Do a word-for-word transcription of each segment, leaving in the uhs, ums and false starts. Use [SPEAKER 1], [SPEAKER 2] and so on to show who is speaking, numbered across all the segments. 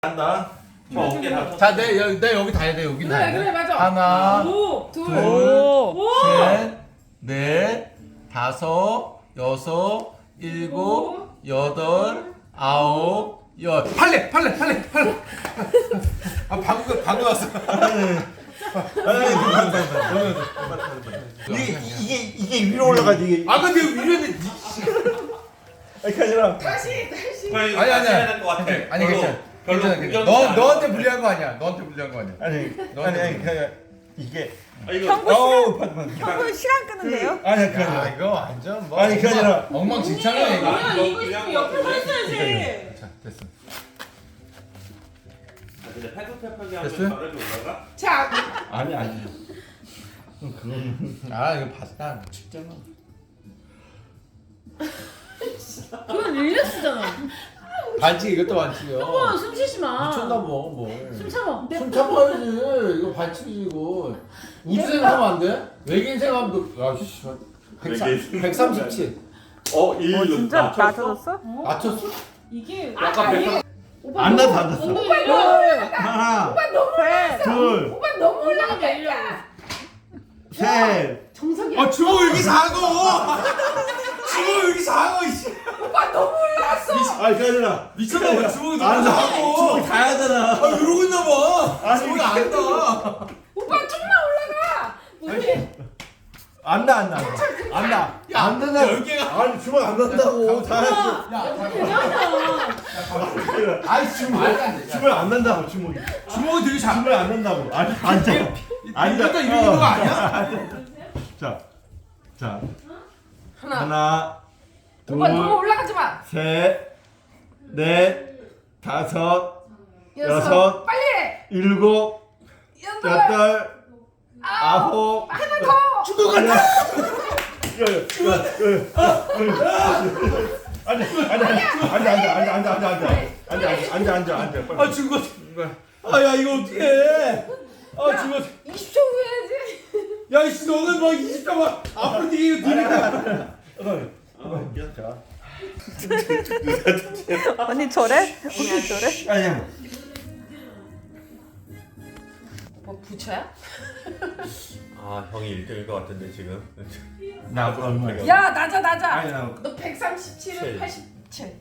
[SPEAKER 1] 한다. 저 어깨 다.
[SPEAKER 2] 자, 내, 여기, 내 여기 다 해야 돼. 여기 다
[SPEAKER 3] 그래
[SPEAKER 2] 해야 돼.
[SPEAKER 3] 그래 맞아.
[SPEAKER 2] 하나,
[SPEAKER 3] 오, 둘,
[SPEAKER 2] 둘,
[SPEAKER 3] 오,
[SPEAKER 2] 셋, 넷, 다섯, 여섯, 일곱, 여덟, 아홉, 열. 팔레, 팔레, 팔레, 팔레. 아, 방금, 방금 왔어.
[SPEAKER 1] 이게 이게 이게 위로 올라가지 이게.
[SPEAKER 2] 아, 근데 위로 했는데.
[SPEAKER 1] 아니 아니라.
[SPEAKER 3] 다시 다시.
[SPEAKER 2] 아니, 아니,
[SPEAKER 1] 될것 같아.
[SPEAKER 2] 아니, 괜찮아.
[SPEAKER 1] 별로
[SPEAKER 2] 괜찮아, 괜찮아. 너, 너한테 불리한 거 아니야. 너한테 불리한 거 아니야.
[SPEAKER 1] 아니 아니 아니 그냥 이게.
[SPEAKER 4] 아, 이거
[SPEAKER 5] 형부
[SPEAKER 1] 어우
[SPEAKER 5] 시간,
[SPEAKER 1] 파도
[SPEAKER 5] 형부 시간 끄는데요?
[SPEAKER 1] 아니 그게
[SPEAKER 2] 야,
[SPEAKER 1] 아니라.
[SPEAKER 2] 이거 완전 뭐.
[SPEAKER 1] 아니, 그게 아니라.
[SPEAKER 2] 엉망진창이야, 이거.
[SPEAKER 3] 뭐야 이거 있으면 옆에 서 있어야지.
[SPEAKER 2] 자, 됐어.
[SPEAKER 4] 아, 근데 팔굽혀펴기
[SPEAKER 2] 됐어요?
[SPEAKER 4] 하면 바람이 올라가?
[SPEAKER 3] 자,
[SPEAKER 1] 아니 아니. 그건
[SPEAKER 2] 아, 이거 봤다. 춥잖아.
[SPEAKER 3] 그건 릴렉스잖아.
[SPEAKER 2] 반칙, 이것도 반칙이야.
[SPEAKER 3] 형아 숨 쉬지 마.
[SPEAKER 2] 미쳤나 뭐, 뭐.
[SPEAKER 3] 숨 참아.
[SPEAKER 2] 숨 참아야지. 이거 반칙이지, 이거. 우주 생각하면 안 돼? 외계인 생각하면 너, 야, 씨.
[SPEAKER 4] 외계인
[SPEAKER 2] 백삼십칠.
[SPEAKER 4] 어, 일.
[SPEAKER 5] 어 진짜
[SPEAKER 4] 낮췄어?
[SPEAKER 5] 낮아졌어?
[SPEAKER 2] 맞췄어?
[SPEAKER 3] 이게
[SPEAKER 2] 약간
[SPEAKER 3] 아니,
[SPEAKER 2] 백삼-
[SPEAKER 3] 오빠
[SPEAKER 1] 안
[SPEAKER 3] 너무-
[SPEAKER 1] 났어, 안 났어.
[SPEAKER 3] 엉덩이 일려.
[SPEAKER 1] 하나,
[SPEAKER 5] 셋,
[SPEAKER 1] 둘,
[SPEAKER 3] 오빠 너무 올라가니까 일려.
[SPEAKER 1] 셋.
[SPEAKER 3] 정석이.
[SPEAKER 2] 아, 주먹 여기 작어! 주먹 여기 작어, 이씨.
[SPEAKER 3] 오빠 너무 올라갔어.
[SPEAKER 1] 아니 그게 아니라.
[SPEAKER 2] 미쳤나봐, 주먹이
[SPEAKER 1] 안
[SPEAKER 2] 너무
[SPEAKER 1] 나.
[SPEAKER 2] 작어.
[SPEAKER 1] 주먹이 다 하잖아.
[SPEAKER 2] 아, 이러고 있나봐.
[SPEAKER 1] 아니,
[SPEAKER 2] 주먹이
[SPEAKER 1] 이게-
[SPEAKER 2] 안 나.
[SPEAKER 3] 오빠 좀만 올라가. 우리
[SPEAKER 1] 안 나, 안 나. 안 나.
[SPEAKER 2] 야,
[SPEAKER 1] 안 된다.
[SPEAKER 2] 열 개가.
[SPEAKER 1] 아니 주먹 안 난다고. 다 했어.
[SPEAKER 2] 야, 잠깐만.
[SPEAKER 3] 괜찮아.
[SPEAKER 2] 아이, 지금 말도 안 돼. 야,
[SPEAKER 1] 주먹 안 난다고 주먹이.
[SPEAKER 2] 주먹이 되게 작아.
[SPEAKER 1] 주먹 안 난다고. 아니 앉아. 앉아.
[SPEAKER 2] 이것도 이러는 거 아니야?
[SPEAKER 1] 자, 자.
[SPEAKER 3] 하나.
[SPEAKER 1] 하나, 둘,
[SPEAKER 3] 오빠 너무 올라가지 마.
[SPEAKER 1] 셋, 넷, 다섯,
[SPEAKER 3] 여섯.
[SPEAKER 1] 여섯.
[SPEAKER 3] 빨리 해.
[SPEAKER 1] 일곱,
[SPEAKER 3] 여덟.
[SPEAKER 1] 여덟, 아홉.
[SPEAKER 3] 하나 더.
[SPEAKER 1] 죽을 것 같아. 앉아, 앉아, 앉아, 앉아, 앉아, 앉아, 앉아, 앉아, 앉아, 앉아, 앉아, 앉아, 빨리.
[SPEAKER 2] 아, 죽었어. 아, 야, 이거 어떡해. 아, 죽었어.
[SPEAKER 3] 이십 초 후에 해야지.
[SPEAKER 2] 야, 이씨, 너는 막 이십 점 막 앞으로 뛰기고 뛰니까.
[SPEAKER 1] 어, 자.
[SPEAKER 5] 언니 저래? 언니 저래?
[SPEAKER 1] 아니야.
[SPEAKER 3] 뭐 부처야?
[SPEAKER 4] 아, 형이 일 등일 것 같은데 지금.
[SPEAKER 1] 나 얼마야?
[SPEAKER 3] 야 낮아 낮아.
[SPEAKER 1] 아니 나.
[SPEAKER 3] 너 백삼십칠은
[SPEAKER 4] 칠.
[SPEAKER 3] 팔십칠.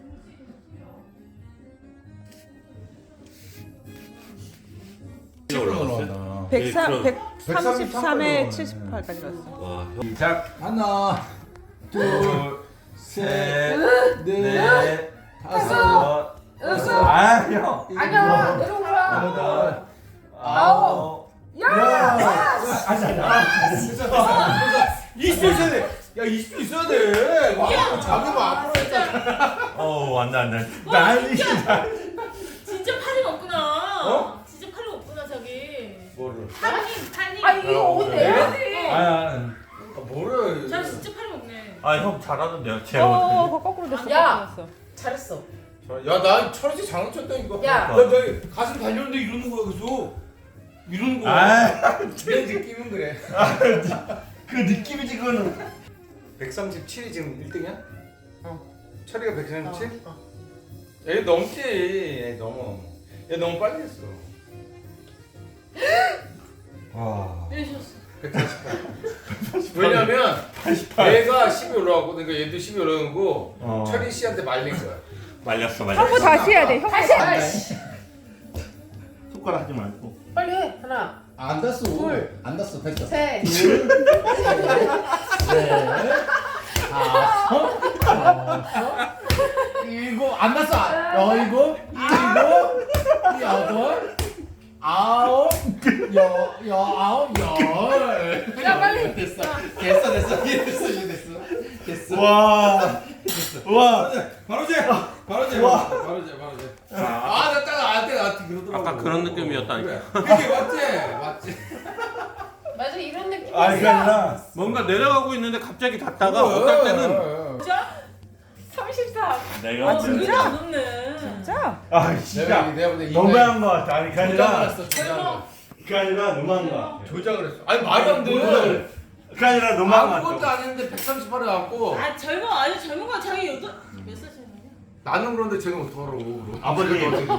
[SPEAKER 4] 올라갔어요?
[SPEAKER 5] 백삼,
[SPEAKER 4] 네,
[SPEAKER 5] 백삼십삼에 칠십팔까지 갔어.
[SPEAKER 4] 와, 형.
[SPEAKER 2] 시작. 하나, 둘, 셋, 넷,
[SPEAKER 1] 넷,
[SPEAKER 2] 다섯,
[SPEAKER 3] 여섯.
[SPEAKER 1] 아, 형.
[SPEAKER 3] 아니야 내려올라.
[SPEAKER 2] 여덟,
[SPEAKER 3] 아홉. 야.
[SPEAKER 1] 아니, 아니, 아니.
[SPEAKER 2] 이십 초 있어야 돼. 야, 이십 초 있어야 돼. 와, 자기만 앞으로 했다.
[SPEAKER 4] 어, 안돼 안돼.
[SPEAKER 1] 난리.
[SPEAKER 6] 진짜 팔이 없구나.
[SPEAKER 2] 어?
[SPEAKER 6] 진짜 팔이 없구나 저기.
[SPEAKER 2] 뭐를?
[SPEAKER 6] 팔이 팔이.
[SPEAKER 3] 아 이거 옷 내야지.
[SPEAKER 1] 아,
[SPEAKER 2] 뭐를?
[SPEAKER 6] 저 진짜 팔이 없네.
[SPEAKER 4] 아, 형 잘하는데요. 제
[SPEAKER 5] 어,
[SPEAKER 4] 어,
[SPEAKER 5] 그거 거꾸로 됐어.
[SPEAKER 3] 야.
[SPEAKER 5] 거꾸로 됐어.
[SPEAKER 3] 잘했어.
[SPEAKER 2] 야, 나 철없이 장난쳤다 이거.
[SPEAKER 3] 야.
[SPEAKER 2] 나, 나 가슴 달렸는데 이러는 거야 계속. 이러는 거야.
[SPEAKER 1] 아,
[SPEAKER 2] 내 느낌은 그래.
[SPEAKER 1] 그 느낌이지 그거는.
[SPEAKER 2] 백삼십칠이 지금 일 등이야? 어. 철이가 백삼십칠?
[SPEAKER 3] 어, 어.
[SPEAKER 2] 얘 넘지. 얘 넘어. 얘 너무 빨리 했어.
[SPEAKER 1] 와.
[SPEAKER 6] 이러셨어.
[SPEAKER 2] 백사십팔. 왜냐면 얘가 십이 올라가고 그러니까 얘도 십이 올라간 거
[SPEAKER 1] 어.
[SPEAKER 2] 철이 씨한테 말린 거야.
[SPEAKER 4] 말렸어 말렸어.
[SPEAKER 5] 형부 다시 해야 돼. 형부
[SPEAKER 3] 다시.
[SPEAKER 5] 다시.
[SPEAKER 3] 해.
[SPEAKER 1] 손가락 하지 말고.
[SPEAKER 3] 빨리 해. 하나.
[SPEAKER 2] 안 닿았어.
[SPEAKER 3] 둘.
[SPEAKER 2] 안 닿았어. 됐어.
[SPEAKER 3] 셋.
[SPEAKER 2] 셋, 다섯, 여섯, 일곱, 안 났어. 아, 일곱, 일곱, 여덟, 아홉, 여, 여, 아홉, 열.
[SPEAKER 3] 야, 빨리.
[SPEAKER 2] 됐어. 됐어, 됐어. 이해 됐어, 이해 됐어. 됐어.
[SPEAKER 1] 와. 와.
[SPEAKER 2] 바로 제, 바로 제,
[SPEAKER 1] 와.
[SPEAKER 2] 바로 제, 바로 제. 아, 나 딱 나한테 나한테 그러더라고.
[SPEAKER 4] 아까 그런 느낌이었다니까.
[SPEAKER 2] 그래. 그게 맞지, 맞지.
[SPEAKER 3] 맞아 이런 느낌.
[SPEAKER 1] 아, 이게 아니라.
[SPEAKER 4] 뭔가 내려가고 있는데 갑자기 닿다가 어떨 때는
[SPEAKER 3] 진짜? 삼십삼.
[SPEAKER 4] 내가
[SPEAKER 6] 어, 진짜 안 없네.
[SPEAKER 5] 진짜?
[SPEAKER 1] 아,
[SPEAKER 2] 내가
[SPEAKER 1] 진짜.
[SPEAKER 2] 내가 볼때
[SPEAKER 1] 너무한 거 같아. 아니, 그게
[SPEAKER 2] 조작을
[SPEAKER 1] 아니라.
[SPEAKER 2] 했어. 조작을.
[SPEAKER 1] 그게 아니라 너무한 거 같아.
[SPEAKER 2] 조작을 했어. 아니 말이 안 돼.
[SPEAKER 1] 그게 아니라 너무한 거
[SPEAKER 2] 아무것도
[SPEAKER 1] 같아.
[SPEAKER 2] 안 했는데 백삼십팔에 갖고
[SPEAKER 6] 아 젊어 아주 젊은 거 자기 여덟 몇 살이냐?
[SPEAKER 2] 나는 그런데 쟤는 어떡하라고.
[SPEAKER 1] 아버지.